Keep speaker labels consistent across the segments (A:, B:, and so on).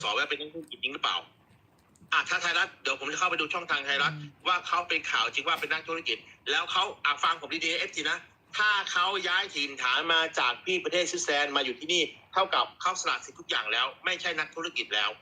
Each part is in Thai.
A: สอบว่าเป็นนักธุรกิจจริงหรือเปล่าถ้าไทยรัฐเดี๋ยวผมจะเข้าไปดูช่องทางไทยรัฐว่าเขาเป็นข่าวจริงว่าเป็นนักธุรกิจแล้วเขาฟังผมดีๆFTนะถ้าเขาย้ายถิ่นฐานมาจากที่ประเทศสวิตเซอร์แลนด์มาอยู่ที่นี่เท่ากับเขาสละสิทธิ์ทุกอย่างแล้วไม่ใช่นักธุรกิจแล้ว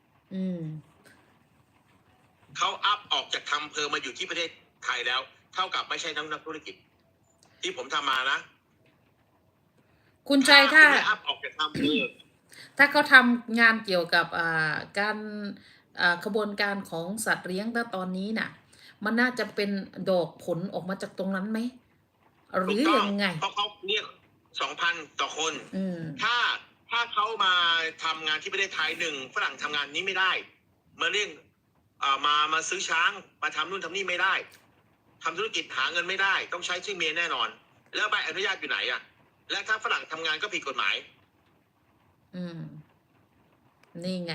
A: เขาอัพออกจากทำเพอมาอยู่ที่ประเทศไทยแล้วเท่ากับไม่ใช่นักธุรกิจที่ผมทำมานะ
B: คุณชัยถ้า
A: อัพออกจากทำเพอ
B: ถ้าเขาทำงานเกี่ยวกับการขบวนการของสัตว์เลี้ยงตอนนี้น่ะมันน่าจะเป็นดอกผลออกมาจากตรงนั้นไหมหรือยังไง
A: เพราะเขาเนี่ย2,000 ต่อคนถ้าเขามาทำงานที่ประเทศไทยฝรั่งทำงานนี้ไม่ได้มาเรียกมาซื้อช้างมาทำนู่นทำนี่ไม่ได้ทำธุรกิจหาเงินไม่ได้ต้องใช้ชื่อเมียแน่นอนแล้วใบอนุญาตอยู่ไหนและถ้าฝรั่งทำงานก็ผิดกฎหมาย
B: นี่ไง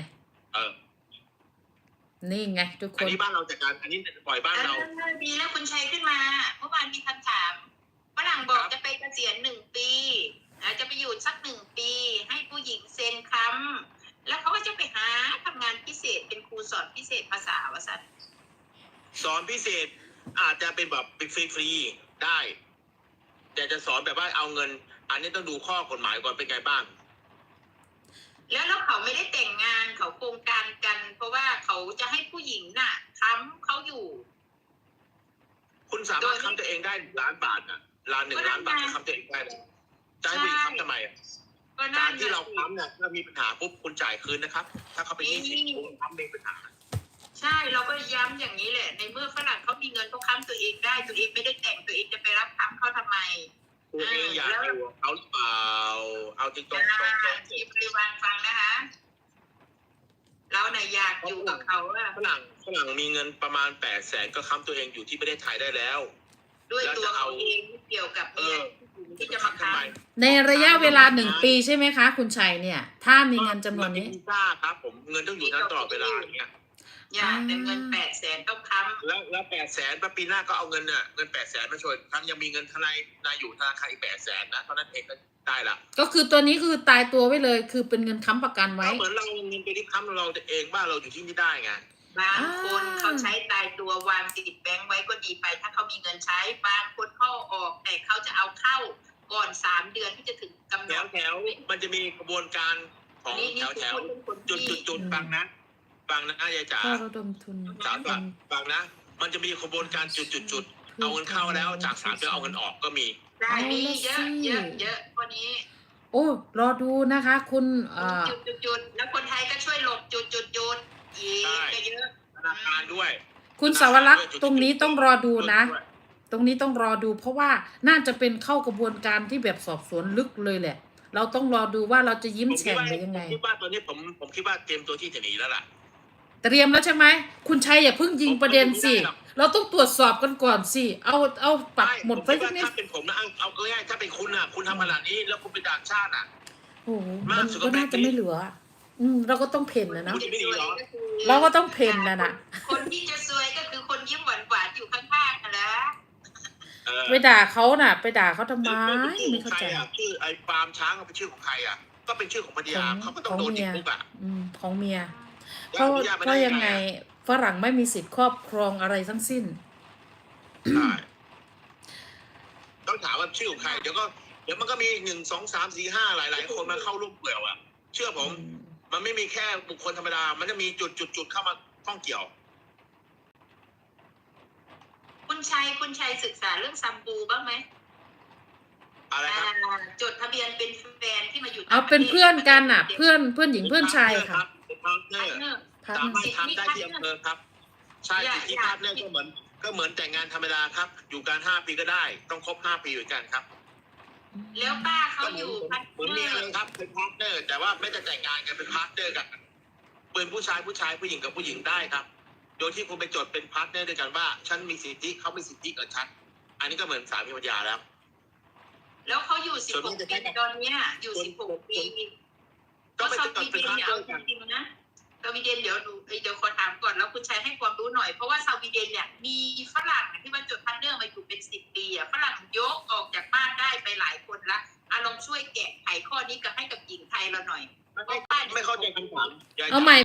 B: นี่ไงทุกคน
A: อันนี้บ้านเราจัดการอันนี้ปล่อยบ้านเรา
C: ดีแล้วคุณชัยขึ้นมาเมื่อวานมีคำถามฝรั่งบอกจะไปเกษียณ1 ปีจะไปอยู่สัก1 ปีให้ผู้หญิงเซ็นค้ำแล้วเขาก็จะไปหาทำงานพิเศษเป็นครูสอนพิเศษภาษาวสัน
A: สอนพิเศษอาจจะเป็นแบบฟรีๆได้แต่จะสอนแบบว่าเอาเงินอันนี้ต้องดูข้อกฎหมายก่อนเป็นไงบ้าง
C: แล้วเขาไม่ได้แต่งงานเขาโครงการกันเพราะว่าเขาจะให้ผู้หญิงน่ะค้ำเขาอยู่
A: คุณสามารถค้ำตัวเองได้1,000,000 บาท1,000,000 บาทค้ำตัวเองได้เลยจะให้ผู้หญิงค้ำทำไมการที่เราค้ำเนี่ยถ้ามีปัญหาปุ๊บคุณจ่ายคืนนะครับถ้าเขาไป20คุณค้ำมีปัญหา
C: ใช่เราก็ย้ำอย่างนี้แหละในเมื่อฝรั่งเขามีเงินเขาค้ำตัวเองได้ตัวเองไม่ได้แต่งตัวเองจะไปรับค้ำเขาทำไม
A: ตัวเองอยากให้เขาหรือเปล่าเอาจริงตรง
C: ที่บริวารฟังนะคะเราเนี่ยอยากอยู่กับเขา
A: ฝรั่งมีเงินประมาณ800,000ก็ค้ำตัวเองอยู่ที่ประเทศไทยได้แล้ว
C: ด้วยตัวเขาเองเกี่ยวกับที่จะมาค้
B: ำในระยะเวลา1 ปีใช่ไหมคะคุณชัยเนี่ยถ้ามีเงินจำนวนนี้
A: ครับผมเงินต้องอยู่นั้นตลอดเวลาอย่างเงี้ย
C: แต่เงิน800,000ต้องค้ำ
A: แล้ว800,000ปีหน้าก็เอาเงิน800,000มาช่วยทั้งยังมีเงินทนายอยู่ธนาคารอีก800,000นะตอนนั้นเองก็ได้ละ
B: ก็คือตัวนี้คือตายตัวไว้เลยคือเป็นเงินค้ำประกันไว้
A: เหมือนเราเงินไปที่ค้ำเราเองว่าเราอยู่ที่นี่ได้ไง
C: บางคนเขาใช้ตายตัววางติดแบงค์ไว้ก็ดีไปถ้าเขามีเงินใช้บางคนเข้าออกแต่เขาจะเอาเข้าก่อน3 เดือนที่จะถึงกำหนด
A: แถวมันจะมีกระบวนการของแถวจุดบางนะยายจ๋า
B: ระดมทุน
A: บางนะมันจะมีกระบวนการจุดเอาเงินเข้าแล้วจาก3 เดือนเอาเงินออกก็มี
C: ได้มีเยอะกว่านี้
B: โอ้รอดูนะคะคุณ
C: จุดแล้วคนไทยก็ช่วยหลบจุดอีกเยอะ
A: ธนาคารด้วย
B: คุณสาวรักษ์ตรงนี้ต้องรอดูนะตรงนี้ต้องรอดูเพราะว่าน่าจะเป็นเข้ากระบวนการที่แบบสอบสวนลึกเลยแหละเราต้องรอดูว่าเราจะยิ้มแฉ่งหรือยังไง
A: คิดว่าตอนนี้ผมคิดว่าเตรียมตัวที่จะหนีแล้วล่ะ
B: เตรียมแล้วใช่ไหมคุณชัยอย่าเพิ่งยิงประเด็นสิเราต้องตรวจสอบกันก่อนสิเอาปักหมดไป
A: ที่นี่ถ้าเป็นผมนะเอาง่ายถ้าเป็นคุณคุณทำขนาดนี้แล้วคุณเป็นต่างชาติ
B: โอ้มันก็น่าจะไม่เหลือเราก็ต้องเพ่นนะเราก็ต้องเพ่นนะ
C: คนที่จะซวยก็คือคนยิ้มหวานอยู่ข้างๆนะ
B: ไปด่าเขาน่ะไปด่าเขาทำไมไม่เข้าใจ
A: ชื่อไอ้ฟาร์มช้างเป็นชื่อของใครก็เป็นชื่อของภรรยาเขาก็ต้องโดนติดคุก
B: ของเมียเพราะยังไงฝรั่งไม่มีสิทธิ์ครอบครองอะไรทั้งสิ้น
A: ต้องถามว่าชื่อของใครเดี๋ยวมันก็มี1 2 3 4 5หลายคนมาเข้าร่วมเกี่ยวเชื่อผมมันไม่มีแค่บุคคลธรรมดามันจะมีจุดเข้ามาข้องเกี่ยว
C: คุณชัยศึกษาเรื่องซัมบูบ้างไหม
A: อะไรครับ
C: จดทะเบียนเป็นแฟนที่มาอยู่
B: เอาเป็นเพื่อนกันเพื่อนหญิงเพื่อนชายค่ะ
A: พาร์ทเนอร์สามารถทำได้ที่อำเภอครับใช่สิทธิพาร์ทเนอร์ก็เหมือนแต่งงานธรรมดาครับอยู่กัน5 ปีก็ได้ต้องครบ5 ปีเหมือนกันครับ
C: แล้วป้าเขาอยู่
A: เหมือนเมียเลยครับเป็นพาร์ทเนอร์แต่ว่าไม่จะแต่งงานกันเป็นพาร์ทเนอร์กันเป็นผู้ชายผู้หญิงกับผู้หญิงได้ครับโดยที่คุณไปจดเป็นพาร์ทเนอร์ด้วยกันว่าฉันมีสิทธิเขามีสิทธิกับฉันอันนี้ก็เหมือนสามีภรรยา
C: แล้วเขาอยู่16 ปีตอนนี้อยู่16 ปี
A: ก็ไปจดเป็นพาร์ทเนอร์กัน
C: นะสวีเดนเดี๋ยวขอถามก่อนแล้วคุณชัยให้ความรู้หน่อยเพราะว่าสวีเดนเนี่ยมีฝรั่งที่มาจดพาร์ทเนอร์มาอยู่เป็น10 ปีฝรั่งยกออกจากบ้านได้ไปหลายคนละลองช่วยแกะไขข้อนี้กับให้กับหญิงไทยเราหน่อย
A: ไม่เข้าใจคำถาม
B: เอาใหม่